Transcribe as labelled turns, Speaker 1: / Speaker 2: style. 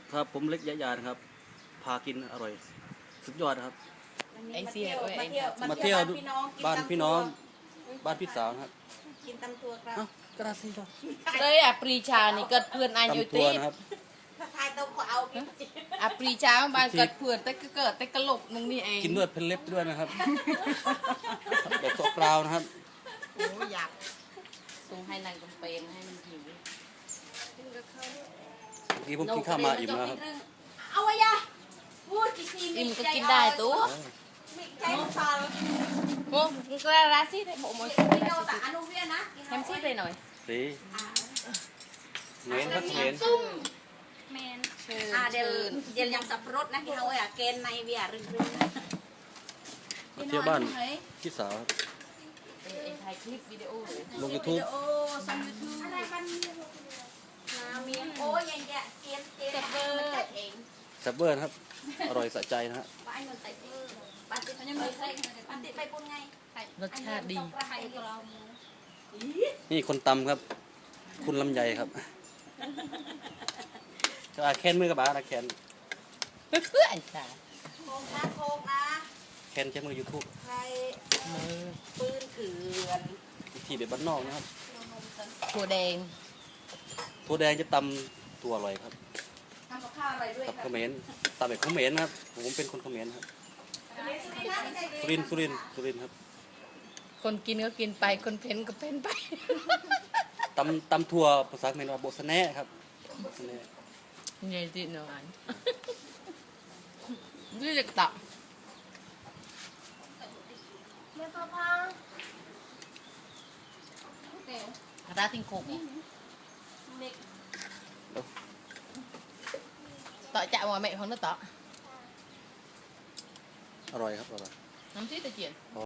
Speaker 1: ครับผมเล็กยะยานะครับพากินอร่อยสุดยอดนะครับ
Speaker 2: ไอ้เสียด้วย
Speaker 1: มาเที่ยว
Speaker 3: บ้า
Speaker 1: บ้าน น
Speaker 3: พี่
Speaker 1: พี่
Speaker 3: น้
Speaker 1: น้
Speaker 3: อ
Speaker 1: อง งบ้านพี่สาวนะครับ
Speaker 3: กินตำตัวครับ
Speaker 1: เอ้าก็ได้สิครับ
Speaker 2: เลยอ่ะปรีชานี่เกิดเพื่อนอายุ
Speaker 1: ตำทัว
Speaker 2: ตี
Speaker 1: นะครับ
Speaker 3: ถ้าทายตัวขอเอากิน
Speaker 2: อ่ะปรีชาบ้านเกิดเพื่อนแต่ก็เกิดแต่กระโหลกนึงนี่เอง
Speaker 1: กินด้วยเพนเล็บด้วยนะครับแบบตัวกราวนะครับ
Speaker 2: โอ้อยากส่งให้นางกำเป็นให้มันหิว
Speaker 3: กินกับเขา
Speaker 1: เมื่อกี้ผมกินข้าวมาอิ่มแล้วครับ
Speaker 3: เอาไว้ยะพูดกี่ที
Speaker 2: อิ่มก็กินได้ตัว
Speaker 3: มีใจฟาล
Speaker 2: โอ้มึงก็ราศีได้บอกมวย
Speaker 3: พี่โนแต่อนุเวียนะ
Speaker 2: แฮมซี่ไปหน่อย
Speaker 1: สีเหม็นครับเหม็น
Speaker 3: แมน
Speaker 2: เชิญ
Speaker 3: เดี๋ยว
Speaker 2: เชิญ
Speaker 3: เดี๋ยวยังสับปะรดนะที่เขาอ่ะเกณฑ์ในเวียรึง
Speaker 1: มาเที่ยวบ้านพี่สาวครับ
Speaker 2: ไอ้ถ่ายคลิปวิดีโอเลย
Speaker 1: ลงยูทูบ
Speaker 3: โอ้ซัมยูทูบอะไรบ้านนาเมียโอ้ยยังแกเกณฑ์มันจัดเอง
Speaker 1: แซ่บเบอร์นะครับอร่อยสะใจนะฮะ
Speaker 3: บ้านมันใส่บ้านติดมันยังไม่ใส่บ้านติดไปปุ่นไง
Speaker 2: รสชาติดี
Speaker 3: ไข่เรา
Speaker 1: นี่คนตำครับ คุณลำไยครับก็แคนมือกับบ้านะแคน
Speaker 2: เพื่อนจ้า
Speaker 3: โคกนะโคกนะ
Speaker 1: แคนใช้มือยูทูบ
Speaker 3: ใครปืนเถื่อน
Speaker 1: วิธีแบบบ้านนอกนะครับ
Speaker 2: ถั่วแดง
Speaker 1: ถั่วแดงจะตำตัวอร่อยครับ
Speaker 3: ทำกับข้าวอะไรด้วย
Speaker 1: กับ
Speaker 3: ค่ะ
Speaker 1: เขมรตำแบบเขมรนะครับผมเป็นคนเขมรครับสุรินทร์ครับ
Speaker 2: คนกินก็กินไปคนเพ้นก็เพ้นไป
Speaker 1: ตำถั่วภาษาเขมรว่าโบสแน่ครับโบสแน่
Speaker 2: ใหญ่จีนอ่ะนี่จะตับ
Speaker 3: เมื่อพ่อพ่อ
Speaker 2: ราติงโคก
Speaker 3: เด็ก
Speaker 2: ต่อจะว่าแม่ของnóต่อ
Speaker 1: อร่อยครับอร่อย
Speaker 2: น้ำซีตะเกียบ